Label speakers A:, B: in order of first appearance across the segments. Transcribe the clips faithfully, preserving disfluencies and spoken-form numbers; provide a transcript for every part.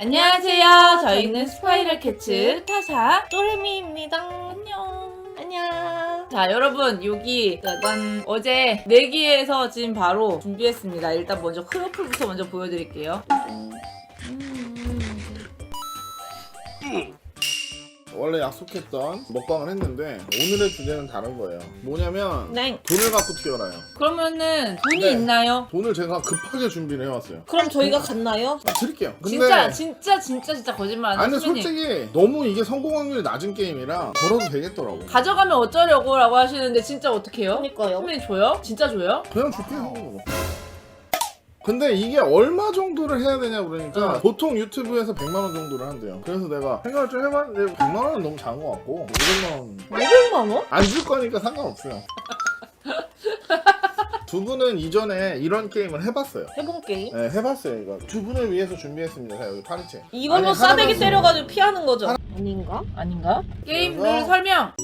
A: 안녕하세요. 저희는 스파이럴 캐츠 타사
B: 또레미입니다.
A: 안녕.
B: 안녕.
A: 자 여러분 여기 짜잔 어제 내기에서 지금 바로 준비했습니다. 일단 먼저 크로플부터 먼저 보여드릴게요.
C: 원래 약속했던 먹방을 했는데 오늘의 주제는 다른 거예요. 뭐냐면
B: 네.
C: 돈을 갖고 튀어나요.
A: 그러면은 돈이
C: 네.
A: 있나요?
C: 돈을 제가 급하게 준비를 해왔어요.
B: 그럼 저희가 갔나요?
C: 아, 드릴게요. 근데
A: 진짜 진짜 진짜 진짜 거짓말 안
C: 아니
A: 하는
C: 근데 솔직히 너무 이게 성공 확률이 낮은 게임이라 걸어도 되겠더라고.
A: 가져가면 어쩌려고 라고 하시는데 진짜 어떡해요?
B: 그러니까요.
A: 선배님 줘요? 진짜 줘요?
C: 그냥 줄게요. 근데 이게 얼마 정도를 해야 되냐 그러니까
A: 응.
C: 보통 유튜브에서 백만 원 정도를 한대요. 그래서 내가 생각을 좀 해봤는데 백만 원은 너무 작은 것 같고 오백만 원
B: 오백만 원?
C: 안 줄 거니까 상관없어요. 두 분은 이전에 이런 게임을 해봤어요.
B: 해본 게임?
C: 네, 해봤어요. 이거 두 분을 위해서 준비했습니다. 자, 여기 파리채.
B: 이걸로
C: 아니,
B: 싸대기
C: 하나만
B: 때려가지고 피하는 거죠? 아닌가?
A: 아닌가? 게임 룰
C: 그래서-
A: 설명!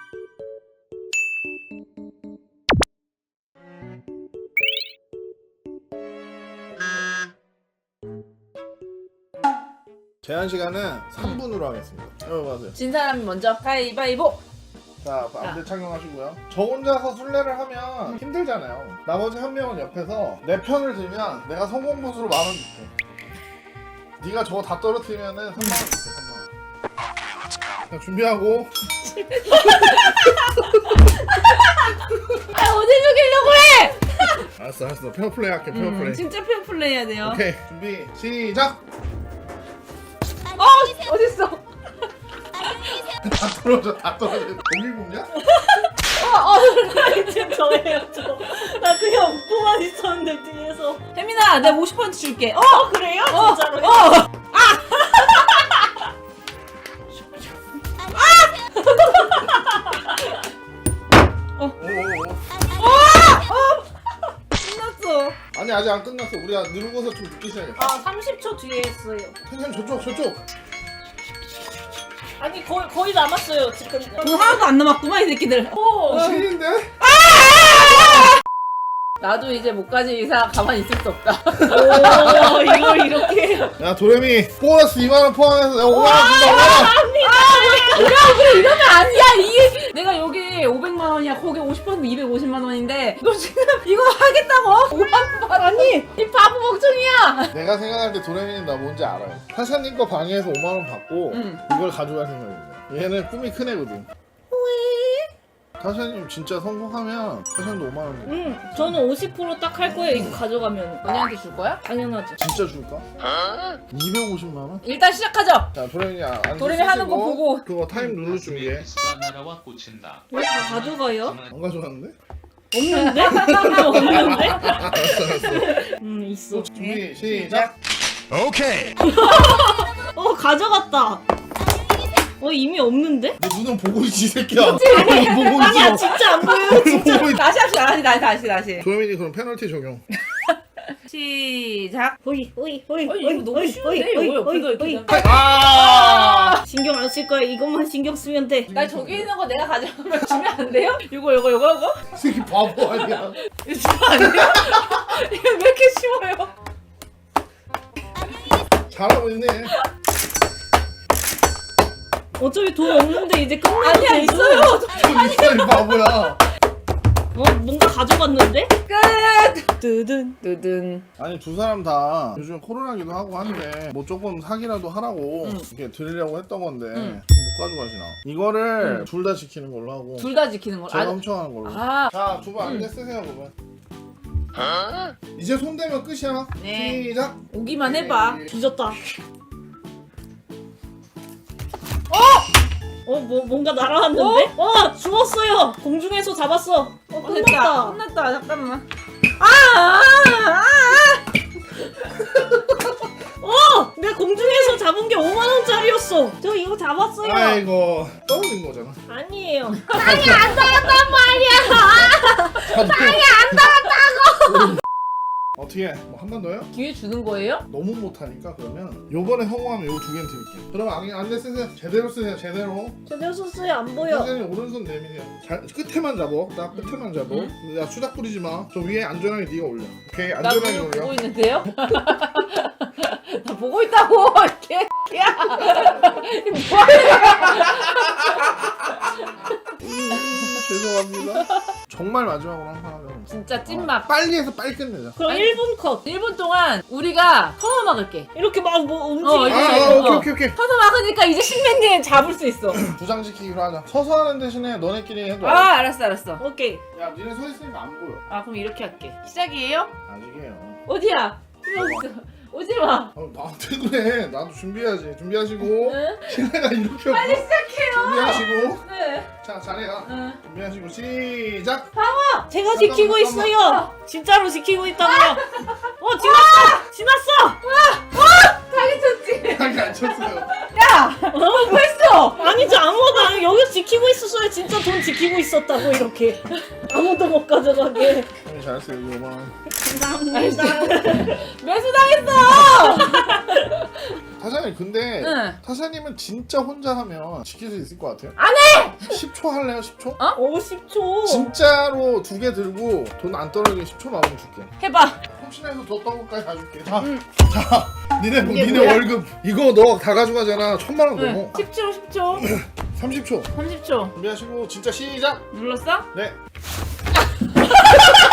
C: 제한 시간은 삼 분으로 하겠습니다. 여기 봐세요.
A: 진 사람이 먼저 가위바위보!
C: 자, 안대 착용하시고요. 저 혼자서 술래를 하면 힘들잖아요. 나머지 한 명은 옆에서 내 편을 들면 내가 성공 보수로 만 원 줄게. 네가 저거 다 떨어뜨리면은 삼만 원 줄게. 삼만 원. 자, 준비하고.
A: 아 어디 죽이려고 해!
C: 알았어, 알았어. 페어플레이 할게. 페어플레이.
A: 음, 진짜 페어플레이 해야 돼요.
C: 오케이, 준비 시작.
A: 어! 어딨어?
C: 다 떨어져, 다 떨어져. 고기 굽냐?
B: 어, 이제 저예요, 저. 나 그냥 웃고만 있었는데 뒤에서.
A: 혜민아 내가 오십 퍼센트 줄게. 어!
B: 어, 그래요?
A: 어!
B: 진짜로?
A: 어!
C: 오오오.
A: 끝났어.
C: 아니 아직 안 끝났어. 우리가 누르고서 좀 늦게 시작했어.
B: 아, 삼십 초 뒤에 했어요.
C: 선생님 저쪽 저쪽.
B: 아니, 거의, 거의 남았어요, 지금.
A: 돈 하나도 안 남았구만 이 새끼들.
B: 오!
C: 신인데?
A: 나도 이제 못 가지 이상 가만히 있을 수 없다.
B: 오, 이걸 이렇게.
C: 야 도레미 보너스 이만 원 포함해서 내가 오만 원 준다. 오만 원.
A: 야 그래 이러면 아니야. 이게 내가 여기 오백만 원이야. 거기 오십 퍼센트 이백오십만 원인데 너 지금 이거 하겠다고? 오만 원 아니 이 바보 멍청이야.
C: 내가 생각할 때 도레미는 나 뭔지 알아요. 타샤님 거 방에서 오만 원 받고
A: 응.
C: 이걸 가져갈 생각입니다. 얘는 꿈이 큰 애거든. 타샤님 진짜 성공하면 타샤님도 오만 원 줘.
B: 음, 저는 오십 퍼센트 딱 할 거예요, 이거 가져가면.
A: 언니한테 줄 거야?
B: 당연하죠.
C: 진짜 줄까? 이백오십만 원?
A: 일단 시작하죠.
C: 자 도레미 안
A: 도레미 하는 거 보고.
C: 그거 타임 누를 준비해.
D: 수가 날아와 꽂힌다.
B: 왜 다 가져가요?
C: 안 가져갔는데?
B: 없는데? 없는데?
C: 알았어 알았어.
B: 음, 있어.
C: 준비 시작.
B: 어, 가져갔다. 어, 이미 없는데?
C: 너 눈은 보고 있지 이 새끼야. 눈은 보고
B: 아니야,
C: 있어.
B: 진짜 안 보여요.
C: 눈은 보고 있.
A: 다시 합시다. 다시 다시 다시 다시.
C: 도레미님 그럼 페널티 적용.
A: 시작.
B: 호이, 호이, 호이,
A: 아니,
B: 호이,
A: 이거 너무
B: 호이,
A: 쉬운데?
B: 호이,
A: 이거
B: 호이,
A: 왜 옆에서
B: 호이,
A: 이렇게
B: 호이.
C: 아.
B: 신경 안 쓸 거야. 이것만 신경 쓰면 돼.
A: 나 저기 있는 거 내가 가져가면 주면 안 돼요? 이거 이거 이거 이거?
C: 이 새끼 바보 아니야.
A: 이거 주면 안 돼요? 이거 왜 이렇게 쉬워요?
C: 잘하고 있네.
B: 어차피 돈 없는데 이제 끝나도
A: 아니야
B: 되죠?
A: 있어요.
C: 돈 있어 이 바보야.
B: 어, 뭔가 가져갔는데?
A: 끝.
B: 뜨든.
A: 뜨든.
C: 아니 두 사람 다 요즘 코로나기도 하고 한데 뭐 조금 사기라도 하라고
A: 응.
C: 이렇게 드리려고 했던 건데
A: 응.
C: 못 가져가시나. 이거를
A: 응.
C: 둘 다 지키는 걸로 하고
A: 둘 다 지키는 거.
C: 제가
A: 아,
C: 훔쳐가는 걸로.
A: 아.
C: 자 두 분 안대 쓰세요 그러면. 이제 손 대면 끝이야.
A: 네.
C: 시작.
A: 오기만 해봐.
B: 뒤졌다. 어, 뭐 뭔가 날아왔는데? 어, 주웠어요. 공중에서 잡았어. 어,
A: 어,
B: 끝났다.
A: 됐다. 끝났다. 잠깐만. 아, 아, 아,
B: 어, 내가 공중에서 잡은 게 오만 원짜리였어. 저 이거 잡았어요.
C: 아이고 떨어진 거잖아.
B: 아니에요.
C: 땅이 안 닿았단 말이야. 땅이 안 닿았다고. 어떻게 뭐 한 번 더요?
A: 기회 주는 거예요?
C: 너무 못하니까 그러면 요번에 성공하면 요 두 개는 드릴게요. 그럼 안, 안대 쓰세요. 제대로 쓰세요. 제대로.
B: 제대로 썼어요. 안 보여.
C: 선생님 오른손 내미세요. 잘, 끝에만 잡어. 딱 끝에만 잡어.
A: 응?
C: 야 수작 부리지 마. 저 위에 안전하게 네가 올려. 오케이
A: 나
C: 안전하게
A: 그걸
C: 올려.
A: 보고 있는데요? 나 보고 있다고. 개야. 뭐하는
C: 죄송합니다. 정말 마지막으로 항상 하면
A: 진짜 찐막.
C: 빨리 해서 빨리 끝내자.
B: 그럼
A: 아니,
B: 일 분 컷.
A: 일 분 동안 우리가 서서 막을게.
B: 이렇게 막 뭐
A: 어,
B: 움직이고.
A: 이거
C: 아,
A: 이거.
C: 아, 오케이
A: 어.
C: 오케이 오케이.
A: 서서 막으니까 이제 신맨님 잡을 수 있어.
C: 부장 지키기로 하자. 서서 하는 대신에 너네끼리 해도.
A: 아 알았어 알았어.
B: 오케이.
C: 야, 니네 서 있으니까 안 보여.
A: 아 그럼 이렇게 할게. 시작이에요?
C: 아직이에요.
A: 어디야? 여기 있어. 오지 마.
C: 어, 나한테 그래. 나도 준비해야지. 준비하시고.
A: 응?
C: 신뢰가 이렇게
A: 빨리
C: 없고.
A: 시작해요.
C: 준비하시고.
A: 네.
C: 자, 자리가.
A: 응.
C: 준비하시고 시작.
B: 제가 지키고
C: 잠깐만,
B: 있어요. 진짜로 지키고 있다고요. 어 지났어. 지났어.
A: 자기 쳤지.
C: 하게 안 쳤어요.
A: 야. 뭐 했어?
B: 아니죠 아무도 안 여기서 지키고 있었어요. 진짜 돈 지키고 있었다고 이렇게. 아무도 못 가져가게.
C: 형이 잘했어요. 이거 오만 원.
B: 감사합니다.
A: 매수당했어.
C: 타샤님 근데
A: 응.
C: 타샤님은 진짜 혼자 하면 지킬 수 있을 것 같아요.
A: 안 해.
C: 십 초 할래요? 십 초?
B: 오십 초.
C: 진짜로 두 개 들고 돈 안 떨어지게 십 초 남으면 줄게.
A: 해봐.
C: 훔친해서 더 떡국까지 다 줄게. 자,
A: 응.
C: 자, 니네 뭐,
A: 이게
C: 니네
A: 뭐야?
C: 월급 이거 너 다 가져가잖아. 천만 원
A: 응.
C: 넘어.
A: 십 초 십 초.
C: 삼십 초
A: 삼십 초.
C: 준비하시고 진짜 시작.
A: 눌렀어?
C: 네.